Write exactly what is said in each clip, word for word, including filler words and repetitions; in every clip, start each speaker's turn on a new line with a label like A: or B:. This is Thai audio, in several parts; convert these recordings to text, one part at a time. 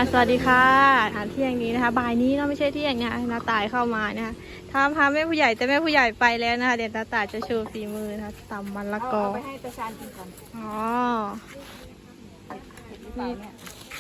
A: สวัสดีค่ะทานเที่ยงนี้นะคะบ่ายนี้เนาะไม่ใช่เที่ยงนะน้าตายเข้ามานะคะทำพาแม่ผู้ใหญ่แต่แม่ผู้ใหญ่ไปแล้วนะคะเดี๋ยวน้าตายจะโชว์ฝีมือนะคะตำมันละกอ
B: เอาไปให้ตาชานกินก่อน
A: อ๋อ
B: หรือเปล่าเนี่ย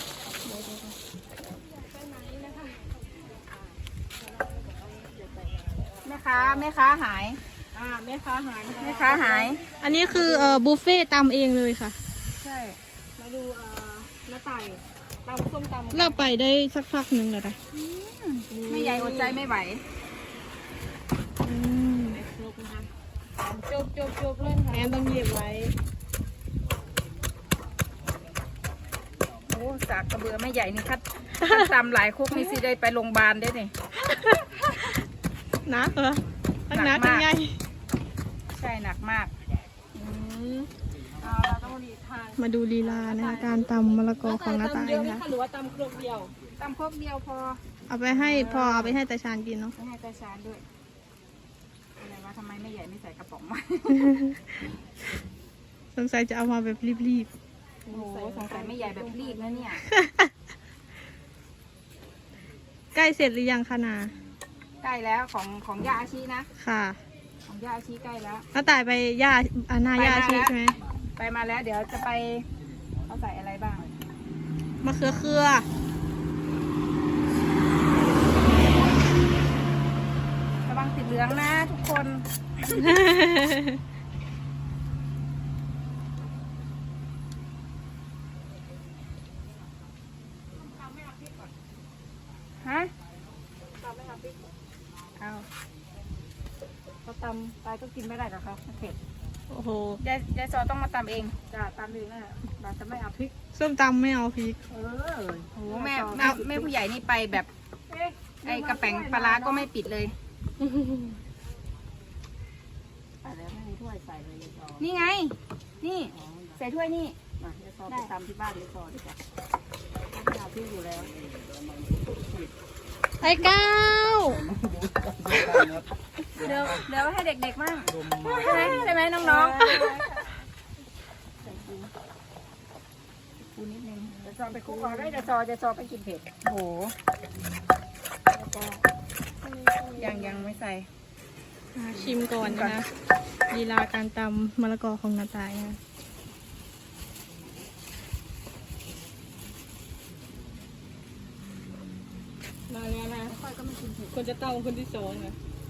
B: แม่ค้าแม่ค้าหาย
C: อ่าแม่ค้าหาย
B: แม่ค้าหาย
A: อันนี้คือเอ่อบุฟเฟ่ต์ตำเองเลยค่ะ
B: ใช่
C: มาดูเอ่อหน้าไต่ตำส้มตำ
A: เราไปได้สักพักหนึ่งแล้วนะ
B: ไม่ใหญ่อดใจไม่ไหว
A: อืม
C: ครบนะคะจบจบจบเล่นค่ะ
A: แอนต้องเหยียบไว้
B: โอ้สากกระเบือไม่ใหญ่นี่คัดคัดตำหลายคุกนี่สิได้ไปโรงพยาบาลได้นี่
A: นักเหรอทั้ง
B: หนั
A: นัก
B: กมาก
A: ทั้งใหญ่
B: ใช่หนักมาก
A: อืม
C: เอาเราต้องรีทาน
A: มาดูลีลานะคะการตำมะละกอของน้าตาย
C: เดียวไหม
A: นะคะ
C: คะหรือว่าตำครกเดียว
B: ตำครกเดียวพอ
A: เอาไปให้พอเอาไปให้ตาชานกินเนาะ
B: ไปให้ตาชานด้วยอะไรวะทำไมไม่ใหญ่ไม่ใส่กระป๋องมา
A: สงสัยจะเอามาแบบรีบ
B: โอ้โหสงสัยไม่ใหญ่แบบรีบนะเนี่ย
A: ๆ ใกล้เสร็จหรือยังคะนา
B: ใกล้แล้วของของย่าอาชีนะ
A: ค่ะ
B: ของย่าอาชีใกล้แล้ว
A: น้าตายไปย่าอานาย่าอาชีใช่ไหม
B: ไปมาแล้วเดี๋ยวจะไปเขาใส่อะไรบ้าง
A: มะเขือเคือ
B: ระวังติดเหลืองนะทุกคนฮะเอาเขาตำไปก็กินไม่ได้หรอกครับเผ็ด
A: โอ้โห
B: ยายยายซอต้องมาตำเอง
C: จ้าตำเองนะเราจะไม่เอาพริก
A: ส้มตำไม่เอาพริก
C: เออ
B: โอ้โหแม่แม่แม่ผู้ใหญ่นี่ไปแบบไอ้กระแป้งปลาร้าก็ไม่ปิดเลย
C: แต่แล้วไม่มีถ้วยใส่เลยยายซอ
B: นี่ไง นี่ใส่ถ้วยนี่
C: มายายซอไปตำที่บ้านยายซอดีกว่าไม่เอาพริกอยู่แล้ว
A: ไอ้ก้าว
B: เดี๋ยวเดี๋ยวให้เด็กๆมั่งใช่ไหมใช่ไหมน้องๆปูนิดนึง
C: ยายซอไปคลุกเอาได้ยายซอยายซอไปกินเผ็ด
B: โอ้โหยังยังไม่ใส่
A: อ่าชิมก่อนนะคะลีลาการตำมะละกอของน้าตายนะ
C: มาแล้วนะคนจะเต้าคนที่สองนะ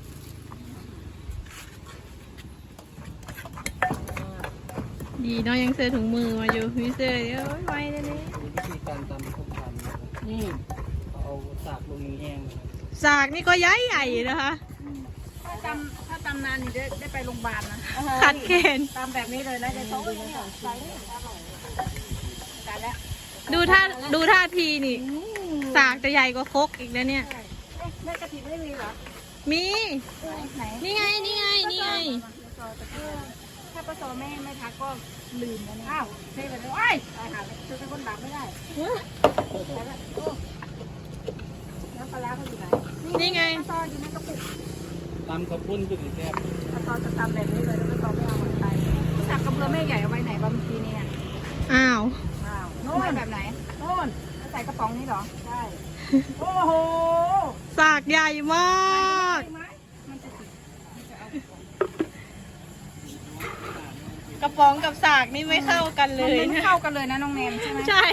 A: ดีเนาะยังเสื้อถุงมือมาอยู่มีเสื้อเดี๋ยวไว้เลยนี่
D: วิธีการตำส้มตำนะครับ
C: นี่
D: เอาสากลงแห้งนะครับ
A: สากนี่ก็ย้ายใหญ่นะคะ
B: ถ้าตำถ้าตำนานนี่ได้ได้ไปโรงพยาบาลนะ
A: ขัดเกณฑ์
C: ตำแบบนี้เลยนะยายซอเนี่ยใส่เลยอร่อย
B: กันแล้ว
A: ดูท่าดูท่าทีนี่ สากจะใหญ่กว่าครกอีกนะเนี่ย
C: แม่กะทิไม่มีเหรอ
A: มี
B: ไหน
A: นี่ไงนี่ไงนี่ไง
B: ถ้าปลาซอแม่ไม่ทักก็ลืมแล้วเนี่ย
C: อ้าวเทไปเลยว้ายตายหาเลยคือเป็นคนดับไม่ได้แล้วปลาร้าเขาอยู่ไหน
A: นี่ไง
B: ปลาซออยู่ในกระปุก
D: ตำข้าวปุ้นก็ถือแซ่บ
C: ปลาซอจะตำแบบนี้เลยแล้วปลาซอไม่เอามันไป
B: สักกระเบือแม่ใหญ่เอาไว้ไหนบ้างเมื่อกี้เนี่ย
A: อ้าว
C: อ้าว
B: โน่
C: โน่
B: น
C: น
B: แบบไหน
C: โน่น
B: ใส่กระป๋องนี้เหรอ
C: ใช่โอ้โห
A: สากใหญ่มาก
B: มันจะติด
A: กระป๋องกับสากนี่ไม่เข้ากันเล
B: มัน
A: ย
B: ไม่เข้ากันเลยนะน้องแนนใช่ไหม
A: ใช่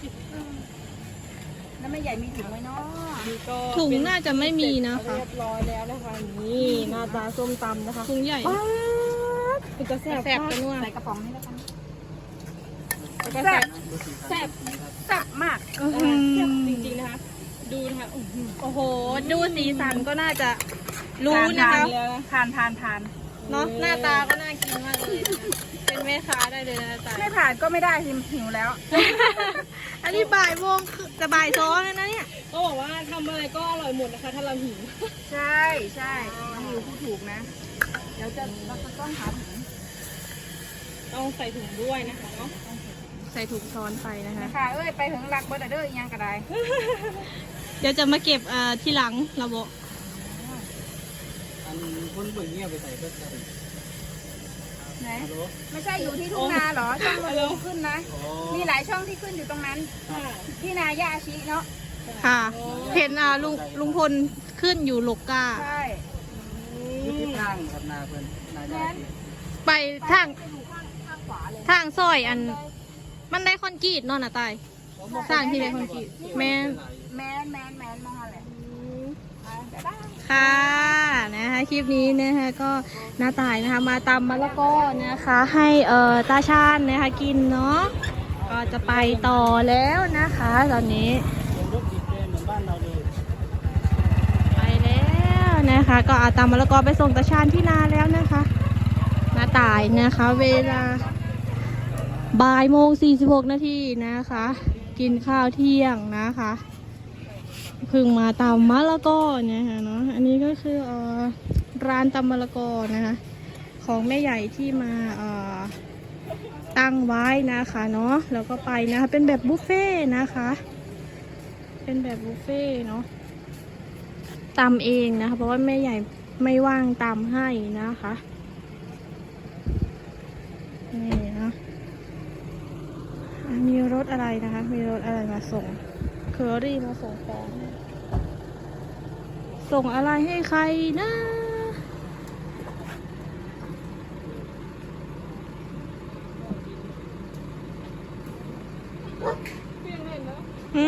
B: แล้วแม่ใหญ่มีถุงไหมเนาะ
A: ถุงน่าจะไม่มีนะคะ
C: เรียบร้อยแล้วนะคะนี่หน้าตาส้มตำนะคะ
A: ถุงใหญ่
C: คุณจะแซ่บ
A: แซ่บกันว่ะ
B: ใส่กระป๋องนี้แล้วกัน
C: แซ่บ
B: แซ่บแซ่บมาก
A: อื้อหื
C: แซ่บ
A: อ
C: จริงๆนะคะ ดูนะคะอื้อหือ
A: โอ้โห ดูสีสันก็น่าจะรู้นะคะ
B: ทานทานทาน
A: เนาะหน้าตาก็น่ากินมากเลยนะคะเป็นแม่ค้าได้เลยนะจ๊ะ
B: ไม่ผ่านก็ไม่ได้สิหิวแล้ว
A: อันนี้บ่ายโมงคือจะบ่ายสองแล้วนะเนี่ย
C: ก็บอกว่าทำอะไรก็อร่อยหมดนะคะ ถ้าเราหิว
B: ใช่ใช่หิวผู้ถูกนะ เดี๋ยวจะเราจะต้องหาถุง
C: ต้องใส่ถุงด้วยนะคะเนาะ
A: ใส่ถุงช้อนไปนะคะ
B: นะคะเอ้ยไปถึงรักเบอร์เดอร์อีกยังก็ได้
A: เดี๋ยวจะมาเก็บเอ่อที่หลังเราบอก
D: อันคนเบิ่งเงี้ยไปใส่ก็ใส่
B: ไหน
D: ฮัลโหล
B: ไม่ใช่อยู่ที่ทุ่งนาเหรอช่องมันลงขึ้นนะ
D: อ๋อ
B: มีหลายช่องที่ขึ้นอยู่ตรงนั้นที่นาย่าอาชิเนาะ
A: ค่ะเห็นอ่าลุงลุงพลขึ้นอยู่โลกา
B: ใช่
D: อยู่ที่ทางครับนาเพิ่นนาญาติ
A: ไปทาง
B: ไปอยู่ข้างข้างขวาเลย
A: ทางซอยอัน มันได้คอนกรีตเนอนน่ะตายสร้างที่ได้คอนกรีตแม่น
B: แมนแมนแมนมองอะไรบ๊ายบาย
A: ค่ะนะคะคลิปนี้นะคะก็น้าตายนะคะมาตำมะละกอนะคะ ให้เอ่อตาชาญนะคะกินเนาะก็จะไปต่อแล้วนะคะ ตอนนี้
D: เป็นรถติดแดงเหมือนบ้านเราเลย
A: ไปแล้วนะคะ ก็เอาตำมะละกอไปส่งตาชาญที่นาแล้วนะคะน้าตายนะคะ เวลาบ่ายโมงสี่สิบหกนาทีนะคะ กินข้าวเที่ยงนะคะเพิ่งมาตำมะละกอเนี่ยค่ะเนาะอันนี้ก็คือเอ่อร้านตำมะละกอนะคะ ของแม่ใหญ่ที่มาเอ่อตั้งไว้นะคะเนาะแล้วก็ไปนะคะเป็นแบบบุฟเฟ่ต์นะคะ เป็นแบบบุฟเฟ่ต์เนาะตำเองนะคะเพราะว่าแม่ใหญ่ไม่ว่างตำให้นะคะนี่นะมีรถอะไรนะคะ มีรถอะไรมาส่งเคอรี่มาส่งของส่งอะไรให้ใครนะหืม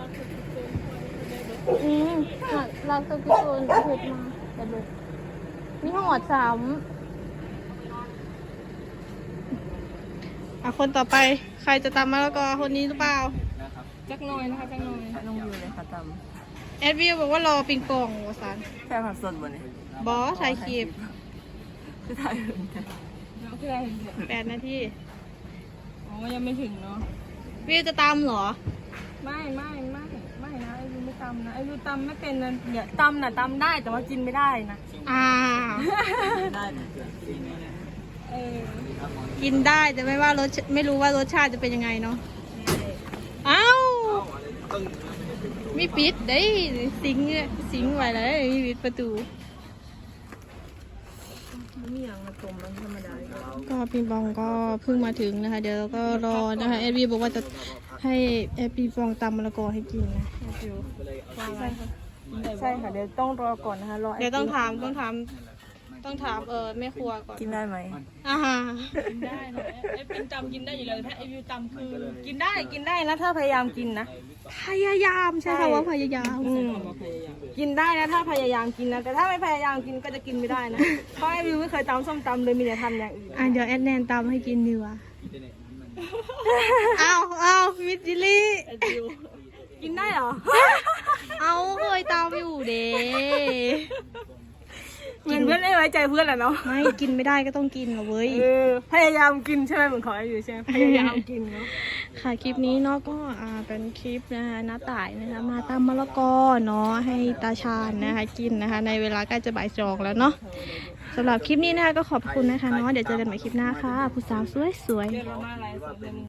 A: อืมค่ะรักตัวพี่ตูนเผ็ดมาแต่ลูกมีหอดสามอ่ะคนต่อไปใครจะตำมะละกอคนนี้หรือเปล่า
D: นะครับ
A: จักหน่อยนะคะจักหน่อย
C: ลงอยู่เลยค่ะต
A: แอดวิวบอกว่ารอปิงปองวะสัน
C: ำแค่ผักสดบนนี้
A: บอสถ่ายคลิป
C: คือถ่ายเห็นกัน
A: แปดนาที
C: อ๋อยังไม่ถึงเนาะ
A: วิวจะตำเหรอ
C: ไม่ไม่ไม่ไม่นะไอ้ยูไม่ตำนะไอ้ยูตำไม่เป็นนะเดี๋ยวตำน่ะตำได้แต่ว่ากินไม่ได้นะ
A: อ่า
C: ได้
B: เออ
A: กินได้แต่ไม่ว่ารสไม่รู้ว่ารสชาติจะเป็นยังไงเนาะเอ้ามีปิดเด้ยสิงสิงไว้เลยมีปิดประตู
C: มีอย่างมาต้มมันธรรมดา
A: ก็ปิงปองก็เพิ่งมาถึงนะคะ เดี๋ยวเราก็รอนะคะแอดวิวบอกว่าจะให้แอดปิงปองตำมะละกอให้กินนะแอดวิว
C: ใช่ค่ะใช่ค่ะเดี๋ยวต้องรอก่อนนะคะรอ
A: เดี๋ยวต้องถามต้องถามต้องถามเออแม่ครัวก่อน
C: กินได้ไหม
A: อ่าฮะ
C: กินได้นะไอ้เป็นตำกินได้อยู่แล้วถ้าไอ้วิวตำคือกินได้กินได้นะถ้าพยายามกินนะ
A: พยายามใช่
C: ใช่
A: ค่ะว่าพยายาม
C: อืมกินได้นะถ้าพยายามกินนะแต่ถ้าไม่พยายามกินก็จะกินไม่ได้นะเพราะไอ้วิวไม่เคยตำส้มตำเลยมีแต่ทำอย่างอื่น
A: อ่ะเดี๋ยวแอดแนนตำให้กินดีกว่าเอาเอามิจิลี่
C: กินได้เหรอ
A: เอาเคยตำอยู่เด้
C: เหมือนเพื่อนไม่ไว้ใจเพื่อนแหละเนาะ
A: ไม่กินไม่ได้ก็ต้องกินเหรอเว้ย
C: เออพยายามกินใช่ไหมเหมือนของไอ้วิวใช่ไหมพยายามกินเนาะ
A: ค่ะคลิปนี้เนาะก็อ่าเป็นคลิปนะคะน้าต่ายนะคะมาตำมะละกอเนาะให้ตาชาญนะคะกินนะคะ ในเวลาใกล้จะบ่ายสองแล้วเนาะสำหรับคลิปนี้นะคะก็ขอบคุณนะคะเนาะเดี๋ยวเจอกันใหม่คลิปหน้าค่ะผู้สาวสวยๆ
C: เรียนมาอะไรสุดเลย